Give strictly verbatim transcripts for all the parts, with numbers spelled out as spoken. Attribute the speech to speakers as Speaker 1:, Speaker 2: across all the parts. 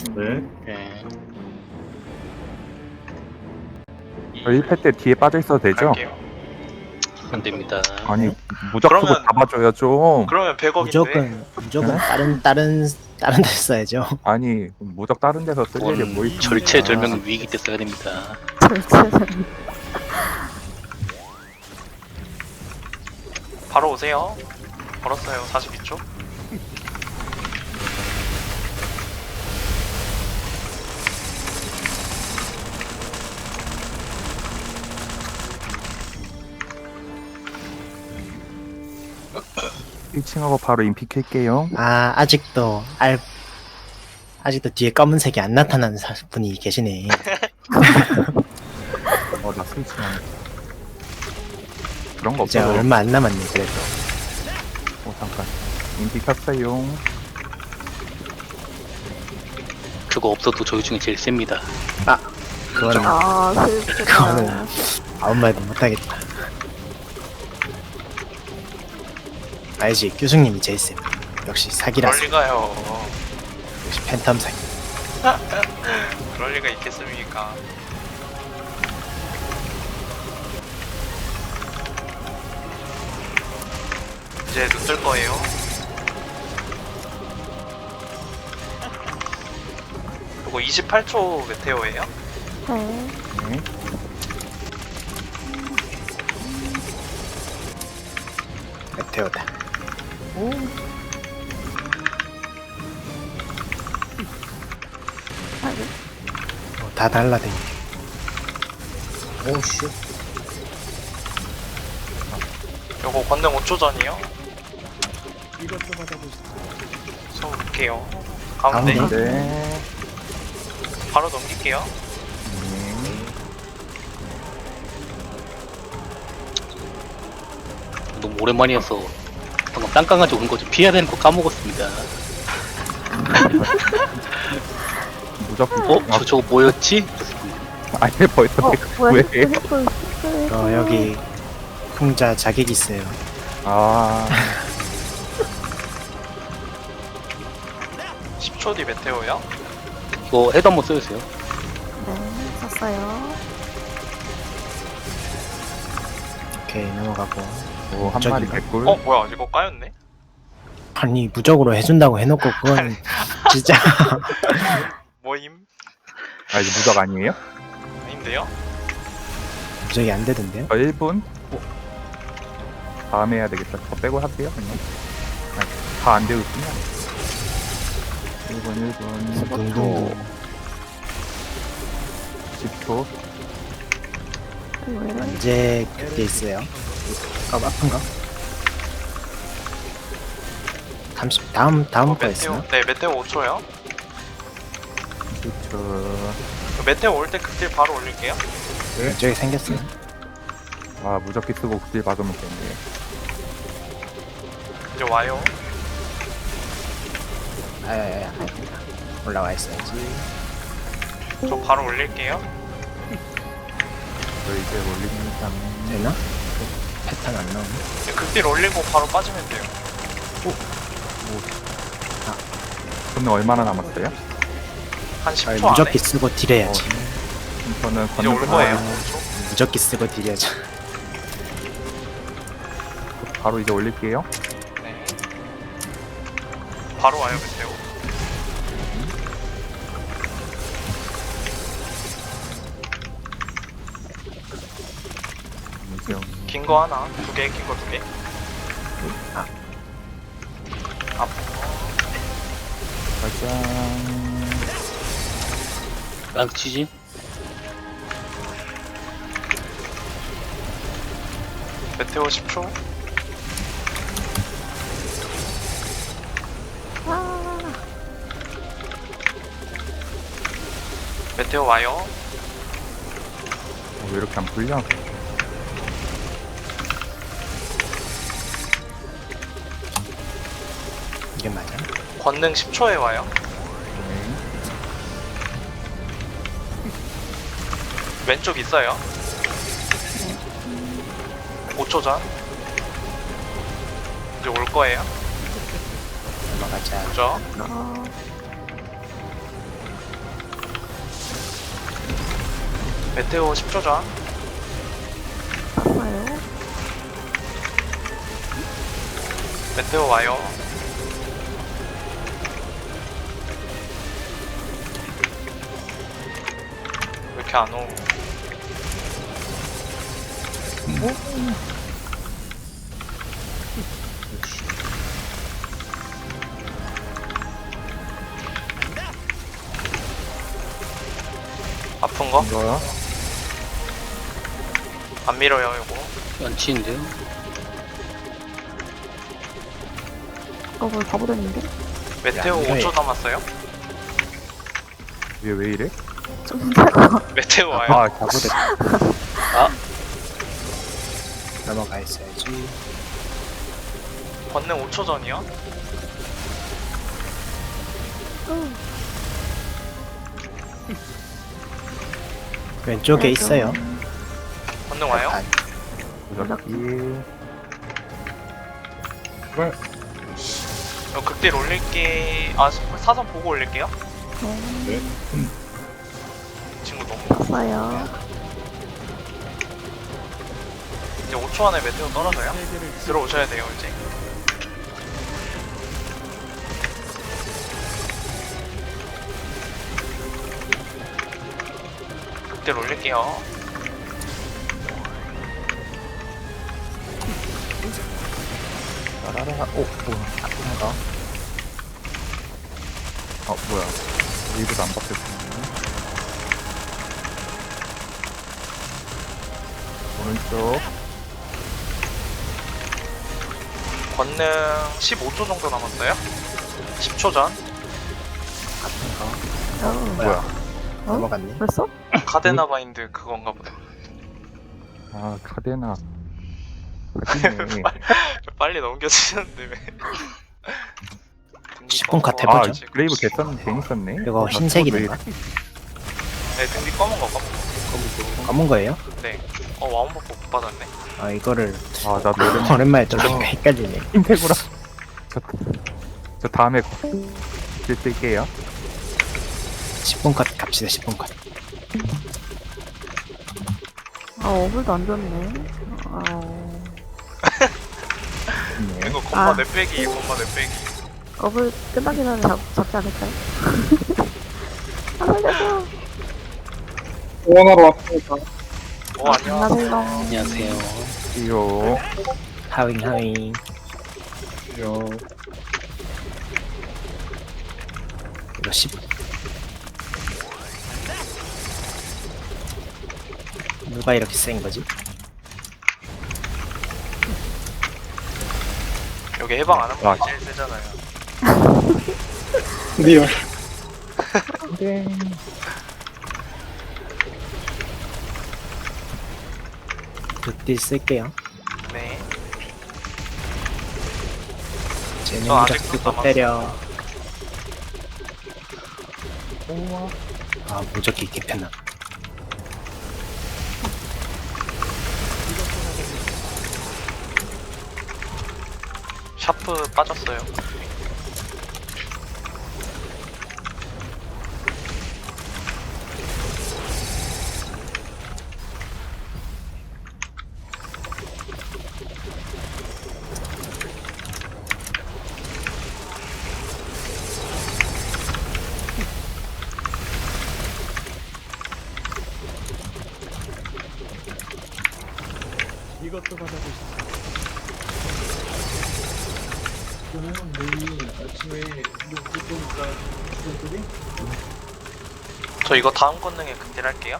Speaker 1: 네.
Speaker 2: 네.
Speaker 3: 저 일 패 때 뒤에 빠져 있어도 되죠?
Speaker 4: 갈게요.
Speaker 2: 안 됩니다.
Speaker 3: 아니 무적 쓰고
Speaker 4: 그러면-
Speaker 3: 잡아줘요 좀.
Speaker 4: 그러면 백억인데.
Speaker 5: 무조건 무조건
Speaker 3: 네?
Speaker 5: 다른 다른 다른 데 써야죠.
Speaker 3: 아니 무적 다른 데서 쓸 일이 뭐
Speaker 2: 그건
Speaker 3: 있습니까?
Speaker 2: 절체절명 위기 때 써야 됩니다.
Speaker 4: 바로 오세요. 걸었어요. 사십이 초.
Speaker 3: 일 층하고 바로 인피 켤게요.
Speaker 5: 아 아직도 알 아직도 뒤에 검은색이 안 나타나는 사- 분이 계시네.
Speaker 3: 어나 스위치 안 그런 거
Speaker 5: 이제
Speaker 3: 없어.
Speaker 5: 얼마 안 남았네 그래도.
Speaker 3: 어 잠깐. 인피 켰어요.
Speaker 2: 그거 없어도 저희 중에 제일 셉니다.
Speaker 5: 그거는
Speaker 6: 아, 슬프다.
Speaker 5: 그거는 아무 말도 못하겠다. 알지 교수님이 제일 쌤. 역시 사기라서.
Speaker 4: 그럴 리가요.
Speaker 5: 역시 팬텀 사기.
Speaker 4: 그럴 리가 있겠습니까? 이제 눈 뜰 거예요. 그리고 이십팔 초 메테오예요.
Speaker 6: 네.
Speaker 3: 네.
Speaker 5: 메테오다.
Speaker 6: 아니,
Speaker 5: 어, 다 달라댕. 오씨.
Speaker 4: 요거 권능 오 초 전이요. 손 볼게요. 가운데
Speaker 5: 가운데.
Speaker 3: 네.
Speaker 4: 바로 넘길게요.
Speaker 3: 네.
Speaker 2: 너무 오랜만이어서 방금 땅강아지 오는 거좀 피해야 되는 거 까먹었습니다.
Speaker 3: 무적.
Speaker 2: 어?
Speaker 3: 아,
Speaker 2: 저 저거 뭐였지?
Speaker 3: 아니 벌써
Speaker 6: 어, 뭐야,
Speaker 3: 왜?
Speaker 6: 스크립, 스크립.
Speaker 5: 어 여기 풍자 자객 있어요.
Speaker 3: 아
Speaker 4: 십 초 뒤 메테오요.
Speaker 2: 이거 헤드 한번 써주세요.
Speaker 6: 네, 썼어요.
Speaker 5: 오케이 넘어가고.
Speaker 3: 오, 한 마리
Speaker 5: 무적인가?
Speaker 3: 개꿀.
Speaker 4: 어 뭐야 이거 까였네.
Speaker 5: 아니 무적으로 해준다고 해놓고 그건 진짜
Speaker 4: 뭐임?
Speaker 3: 아 이거 무적 아니에요?
Speaker 4: 아닌데요?
Speaker 5: 무적이 안 되던데요?
Speaker 3: 저 일 분. 다음에 해야 되겠다. 저 빼고 할게요 그냥. 다 안 되고 있구나. 일 분 일 분.
Speaker 5: 둥둥.
Speaker 3: 십 초.
Speaker 6: 왜?
Speaker 5: 언제 그게 있어요? 아 아픈가? 삼십 다음 다음
Speaker 4: 어,
Speaker 5: 거
Speaker 4: 메테오.
Speaker 5: 있어요?
Speaker 4: 네 메테오 오 초요.
Speaker 3: 십 초.
Speaker 4: 메테오 올 때 극딜 바로 올릴게요.
Speaker 5: 왼쪽에 생겼어요.
Speaker 3: 아 무적기 쓰고 극딜 박으면 되네.
Speaker 4: 이제 와요.
Speaker 5: 아야야야 올라와 있어야지.
Speaker 4: 저 바로 올릴게요.
Speaker 3: 저 이제 올립니다.
Speaker 5: 되나? 패턴 안 나오네.
Speaker 4: 이제 극딜 올리고 바로 빠지면 돼요.
Speaker 3: 저는 얼마나 남았어요?
Speaker 4: 한 십
Speaker 5: 아,
Speaker 4: 초 안에.
Speaker 5: 무적기 쓰고 딜해야지.
Speaker 3: 저는
Speaker 4: 이제 올
Speaker 3: 걷는
Speaker 4: 거예요.
Speaker 5: 아.
Speaker 4: 오 초.
Speaker 5: 무적기 쓰고 딜해야지.
Speaker 3: 바로 이제 올릴게요.
Speaker 4: 네. 바로 와요 메테오.
Speaker 3: 무적.
Speaker 4: 긴 거 하나, 두 개, 긴 거 두 개.
Speaker 5: 아.
Speaker 4: 아픈
Speaker 3: 짜잔.
Speaker 2: 랑치지?
Speaker 4: 메테오 십 초.
Speaker 6: 아,
Speaker 4: 메테오 와요.
Speaker 3: 어, 왜 이렇게 안 풀려?
Speaker 5: 이게 맞아?
Speaker 4: 권능 십 초에 와요.
Speaker 3: 네.
Speaker 4: 왼쪽 있어요. 오 초 전. 이제 올 거예요.
Speaker 5: 넘어가자.
Speaker 4: 그죠?
Speaker 6: 어,
Speaker 4: 메테오 십 초 전.
Speaker 6: 샀어요.
Speaker 4: 메테오 와요. 왜 이렇게 안 오? 아픈 거?
Speaker 3: 이거요?
Speaker 4: 안 밀어요, 이거.
Speaker 2: 연치인데요?
Speaker 6: 어, 뭘 가버렸는데?
Speaker 4: 메테오
Speaker 5: 야,
Speaker 4: 오 초
Speaker 5: 이거
Speaker 4: 남았어요?
Speaker 3: 얘 왜 이래?
Speaker 6: 좀 힘들어.
Speaker 4: 메테오 와요.
Speaker 3: 아, 잘못했다.
Speaker 5: 넘어가 있어야지.
Speaker 4: 권능 오 초 전이요?
Speaker 5: 왼쪽에 있어요.
Speaker 4: 권능 와요?
Speaker 5: 아,
Speaker 3: 무적기.
Speaker 4: 어, 극딜 올릴게. 아, 사선 보고 올릴게요.
Speaker 6: 네.
Speaker 4: 친구 너무.
Speaker 6: 샀어요.
Speaker 4: 이제 오 초 안에 메테오 떨어져요? 들어오셔야 돼요, 이제. 극딜 올릴게요.
Speaker 3: 따라라. 오, 오, 아프다. 어, 뭐야. 리브도 안 바뀌었네. 오른쪽.
Speaker 4: 권능 십오 초 정도 남았어요? 십 초 전?
Speaker 6: 어,
Speaker 3: 뭐야.
Speaker 6: 어?
Speaker 5: 넘어갔네.
Speaker 6: 벌써?
Speaker 4: 카데나 바인드 그건가 보다.
Speaker 3: 아, 카데나. 카데네.
Speaker 4: 빨리 넘겨주시는데 왜? 등뒤
Speaker 5: 십 분 컷
Speaker 4: 검은 거
Speaker 5: 해보죠.
Speaker 3: 아,
Speaker 4: 지금.
Speaker 3: 그레이브 개썼는데 재밌었네.
Speaker 5: 이거
Speaker 3: 아,
Speaker 5: 흰색이던가?
Speaker 4: 네, 등뒤 검은 거 검은 거.
Speaker 5: 검은 거예요?
Speaker 4: 네. 어, 와운버프 못 받았네.
Speaker 5: 아, 이거를
Speaker 3: 아, 나 노래
Speaker 5: 오랜만에 들으니까 헷갈리네.
Speaker 3: 흰색으로. 저, 저 다음에 글 쓸게요.
Speaker 5: 십 분 컷 갑시다, 십 분 컷.
Speaker 6: 아, 어글도 안 좋네. 아,
Speaker 3: 네.
Speaker 4: 이거 건마
Speaker 6: 아.
Speaker 4: 내 빼기, 건마 내 빼기.
Speaker 6: 어글 끝나기 전에 잡, 잡지 않을까요? 아, 살려줘.
Speaker 4: 어, 안녕.
Speaker 6: 안녕하세요.
Speaker 2: 안녕하세요.
Speaker 3: 이요.
Speaker 5: 하윙, 하윙.
Speaker 3: 이요.
Speaker 5: 이거 십. 누가 이렇게 센 거지?
Speaker 4: 여기 해방 안 하면
Speaker 3: 아.
Speaker 4: 제일 세잖아요.
Speaker 5: 리얼.
Speaker 3: 네.
Speaker 5: 극딜 쓸게요.
Speaker 4: 네.
Speaker 5: 쟤는
Speaker 4: 저 아직도
Speaker 5: 무적 쓰고
Speaker 4: 남았어요.
Speaker 5: 때려. 아, 무적기 개편나.
Speaker 4: 샤프 빠졌어요. 저 이거 다음 권능에 극딜 할게요.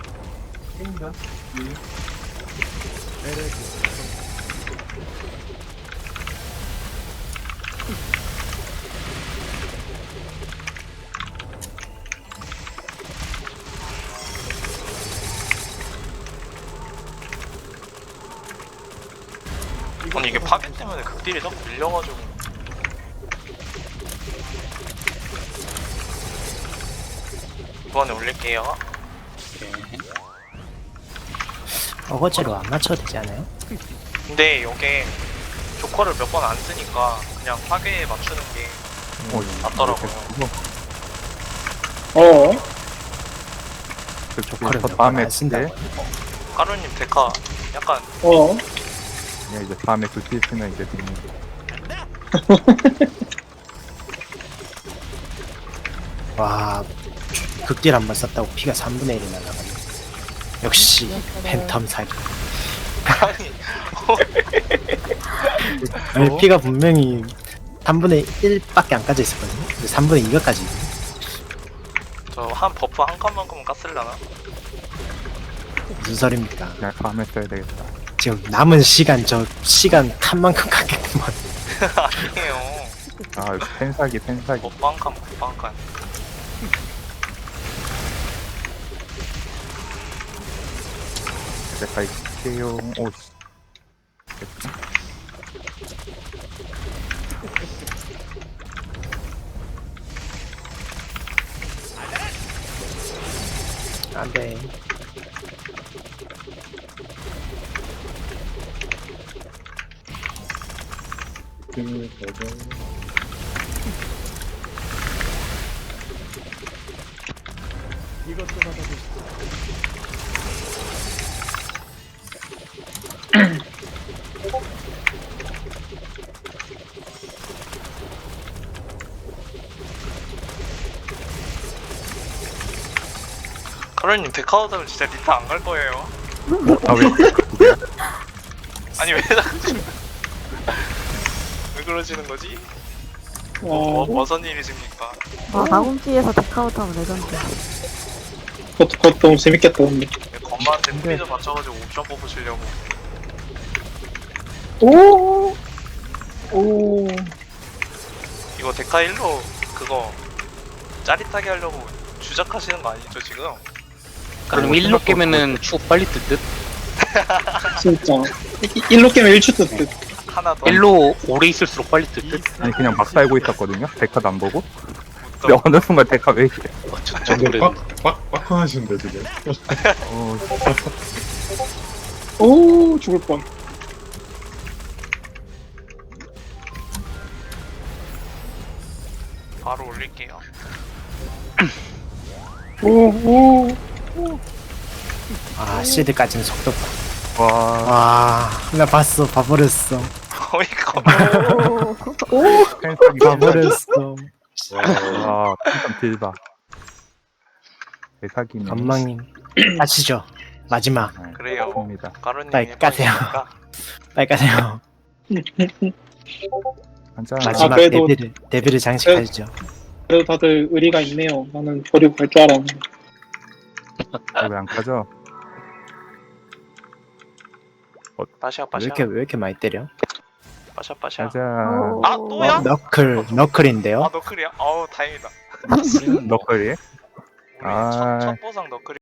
Speaker 4: 아니 이게 파괴 때문에 극딜이 자꾸 밀려가지고. 이번에 올릴게요.
Speaker 2: 오케이.
Speaker 5: 어거지로 안 맞춰도 되지 않아요?
Speaker 4: 근데 이게 조커를 몇 번 안 쓰니까 그냥 파괴에 맞추는 게
Speaker 3: 어,
Speaker 4: 낫더라고요.
Speaker 3: 어? 저
Speaker 5: 조커를
Speaker 3: 저
Speaker 5: 몇
Speaker 3: 다음에
Speaker 5: 번 안 쓴다고.
Speaker 3: 때
Speaker 4: 까루님 데카 약간
Speaker 1: 어?
Speaker 3: 네, 이제 다음에 굿딜 쓰면 이제 되는
Speaker 5: 와, 극딜 한 번 썼다고 피가 삼분의 일이 날라가네. 역시 팬텀 사기.
Speaker 4: 아니
Speaker 5: 아니, 피가 분명히 삼분의 일밖에 안 까져 있었거든요. 근데 삼분의 이가까지.
Speaker 4: 저 한 버프 한 칸만큼은 깠을라나?
Speaker 5: 무슨 소리입니까?
Speaker 3: 그냥 다음에 써야 되겠다.
Speaker 5: 지금 남은 시간 저 시간 칸만큼 깎겠구만.
Speaker 4: 아니에요.
Speaker 3: 아 펜사기 펜사기.
Speaker 4: 버프 한 칸, 버프 한 칸.
Speaker 3: 내가 이게요. 오씨. 됐다.
Speaker 5: 안돼.
Speaker 4: 까루님 데카 얻으면 진짜 리타 안 갈 거예요.
Speaker 3: 아 왜?
Speaker 4: 아니 왜 자꾸 왜 그러시는 거지? 뭐,
Speaker 1: 어,
Speaker 4: 뭐, 무슨 일이십니까?
Speaker 6: 아, 나홈지에서 데카우트 하면 레전드.
Speaker 1: 그것도, 그것도 너무 재밌겠다, 근데.
Speaker 4: 건마한테 프리저 맞춰가지고 옵션 뽑으시려고.
Speaker 1: 오! 오.
Speaker 4: 이거 데카 일로 그거 짜릿하게 하려고 주작하시는 거 아니죠 지금?
Speaker 2: 그럼 일로 깨면은 축 빨리 뜰 듯?
Speaker 1: 진짜. 이- 일로 깨면 일추 뜯듯.
Speaker 4: 하나 더.
Speaker 2: 일로 오래 있을수록 빨리 뜰 듯?
Speaker 3: 아니 그냥 막 살고 있었거든요. 데카도 안 보고.
Speaker 4: 또
Speaker 3: 근데 어느 순간 데카 왜 이래?
Speaker 2: 어, 저, 저 노래
Speaker 7: 빡빡 하시는데 지금.
Speaker 3: 어,
Speaker 1: 오, 죽을 뻔.
Speaker 4: 바로 올릴게요.
Speaker 1: 오, 오.
Speaker 5: 아, 시드까지는 속도 봐.
Speaker 3: 와.
Speaker 5: 와, 나 봤어, 봐버렸어.
Speaker 4: 어이가
Speaker 6: 오,
Speaker 3: 펜사기
Speaker 5: 봐버렸어.
Speaker 3: 와, 펜사 딜바. 데카기네.
Speaker 5: 건망님, 까시죠. 마지막,
Speaker 4: 그래요.
Speaker 3: 입니다.
Speaker 4: 까루님
Speaker 5: 빨리 까세요.
Speaker 4: 해보니까
Speaker 5: 빨리 가세요.
Speaker 3: 한잔.
Speaker 5: 마지막
Speaker 1: 그래도-
Speaker 5: 데뷔를, 데뷔를 장식하시죠.
Speaker 1: 그래도 다들 의리가 있네요. 나는 버리고 갈 줄 알았는데.
Speaker 3: 왜안 가죠?
Speaker 4: 빠샤
Speaker 5: 왜
Speaker 4: 빠샤
Speaker 5: 이렇게, 왜 이렇게 많이 때려?
Speaker 4: 빠샤 빠샤.
Speaker 3: 가자.
Speaker 4: 아 또야?
Speaker 5: 너클, 너클인데요?
Speaker 4: 아 너클이야? 아우 다행이다.
Speaker 3: 너클이.
Speaker 4: 우리
Speaker 3: 아.
Speaker 4: 첫, 첫 보상 너클이.